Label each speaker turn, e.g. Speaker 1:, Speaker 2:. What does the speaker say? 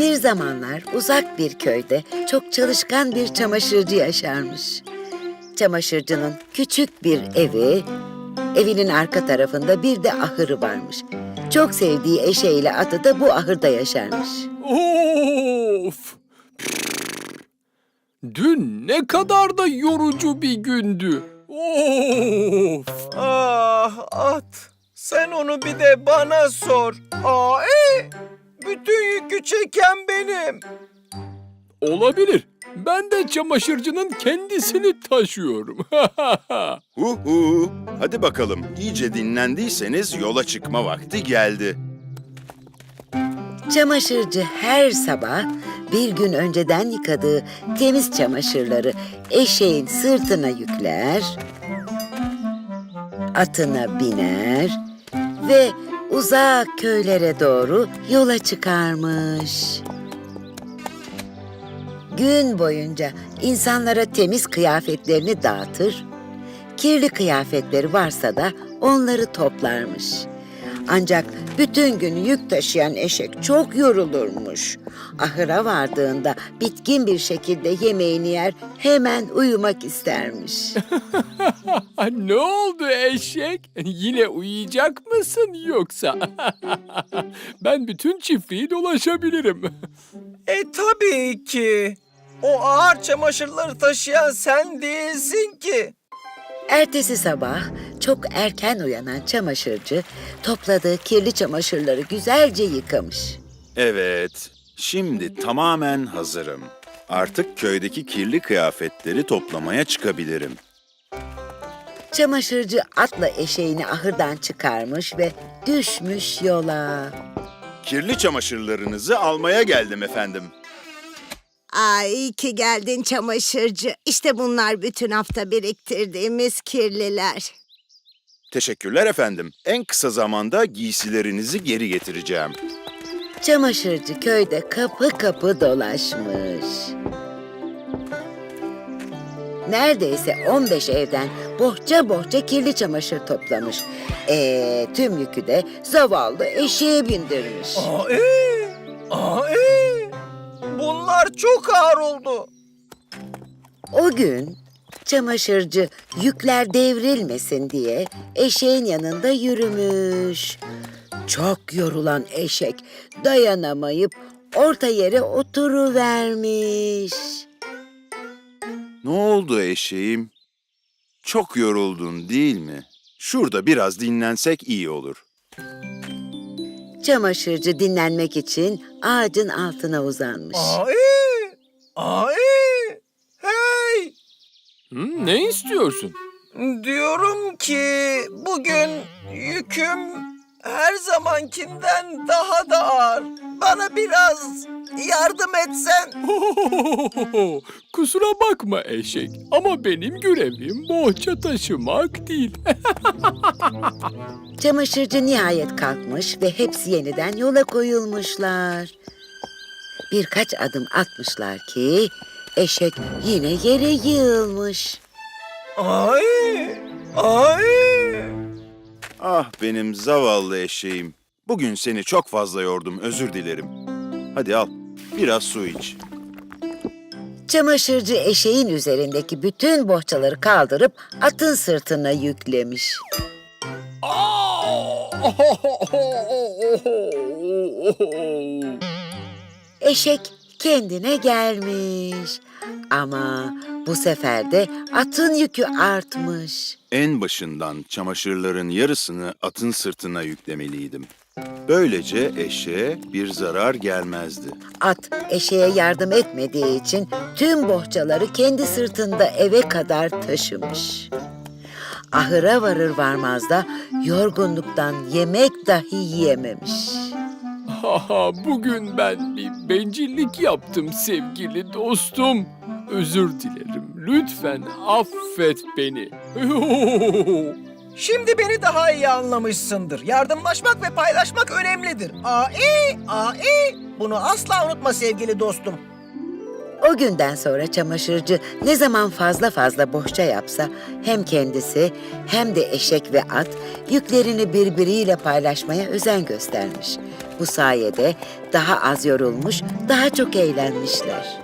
Speaker 1: Bir zamanlar uzak bir köyde çok çalışkan bir çamaşırcı yaşarmış. Çamaşırcının küçük bir evi, evinin arka tarafında bir de ahırı varmış. Çok sevdiği eşeğiyle atı da bu ahırda yaşarmış.
Speaker 2: Of! Dün ne kadar da yorucu bir gündü. Of!
Speaker 3: Ah at, sen onu bir de bana sor. Bütün yükü çeken benim.
Speaker 2: Olabilir. Ben de çamaşırcının kendisini taşıyorum.
Speaker 4: Hu. Hadi bakalım, iyice dinlendiyseniz yola çıkma vakti geldi.
Speaker 1: Çamaşırcı her sabah bir gün önceden yıkadığı temiz çamaşırları eşeğin sırtına yükler, atına biner ve uzak köylere doğru yola çıkarmış. Gün boyunca insanlara temiz kıyafetlerini dağıtır, kirli kıyafetleri varsa da onları toplarmış. Ancak bütün gün yük taşıyan eşek çok yorulurmuş. Ahıra vardığında bitkin bir şekilde yemeğini yer, hemen uyumak istermiş.
Speaker 2: Ne oldu eşek? Yine uyuyacak mısın yoksa? Ben bütün çiftliği dolaşabilirim.
Speaker 3: Tabii ki. O ağır çamaşırları taşıyan sen değilsin ki.
Speaker 1: Ertesi sabah çok erken uyanan çamaşırcı topladığı kirli çamaşırları güzelce yıkamış.
Speaker 4: Evet, şimdi tamamen hazırım. Artık köydeki kirli kıyafetleri toplamaya çıkabilirim.
Speaker 1: Çamaşırcı atla eşeğini ahırdan çıkarmış ve düşmüş yola.
Speaker 4: Kirli çamaşırlarınızı almaya geldim efendim.
Speaker 5: Ay iyi ki geldin çamaşırcı. İşte bunlar bütün hafta biriktirdiğimiz kirliler.
Speaker 4: Teşekkürler efendim. En kısa zamanda giysilerinizi geri getireceğim.
Speaker 1: Çamaşırcı köyde kapı kapı dolaşmış. Neredeyse 15 evden bohça bohça kirli çamaşır toplamış. Tüm yükü de zavallı eşeğe bindirmiş.
Speaker 3: Bunlar çok ağır oldu.
Speaker 1: O gün çamaşırcı yükler devrilmesin diye eşeğin yanında yürümüş. Çok yorulan eşek dayanamayıp orta yere oturuvermiş.
Speaker 4: Ne oldu eşeğim? Çok yoruldun değil mi? Şurada biraz dinlensek iyi olur.
Speaker 1: Çamaşırcı dinlenmek için ağacın altına uzanmış.
Speaker 3: Hey!
Speaker 2: Ne istiyorsun?
Speaker 3: Diyorum ki bugün yüküm her zamankinden daha da ağır. Bana biraz yardım etsen.
Speaker 2: Kusura bakma eşek ama benim görevim bohça taşımak değil.
Speaker 1: Çamaşırcı nihayet kalkmış ve hepsi yeniden yola koyulmuşlar. Birkaç adım atmışlar ki eşek yine yere yığılmış.
Speaker 3: Ay!
Speaker 4: Ah benim zavallı eşeğim. Bugün seni çok fazla yordum, özür dilerim. Hadi al, biraz su iç.
Speaker 1: Çamaşırcı eşeğin üzerindeki bütün bohçaları kaldırıp atın sırtına yüklemiş. Eşek kendine gelmiş. Ama bu sefer de atın yükü artmış.
Speaker 4: En başından çamaşırların yarısını atın sırtına yüklemeliydim. Böylece eşeğe bir zarar gelmezdi.
Speaker 1: At eşeğe yardım etmediği için tüm bohçaları kendi sırtında eve kadar taşımış. Ahıra varır varmaz da yorgunluktan yemek dahi yiyememiş.
Speaker 2: Bugün ben bir bencillik yaptım sevgili dostum. Özür dilerim. Lütfen affet beni.
Speaker 3: Şimdi beni daha iyi anlamışsındır. Yardımlaşmak ve paylaşmak önemlidir. Bunu asla unutma sevgili dostum.
Speaker 1: O günden sonra çamaşırcı ne zaman fazla fazla bohça yapsa hem kendisi hem de eşek ve at yüklerini birbiriyle paylaşmaya özen göstermiş. Bu sayede daha az yorulmuş, daha çok eğlenmişler.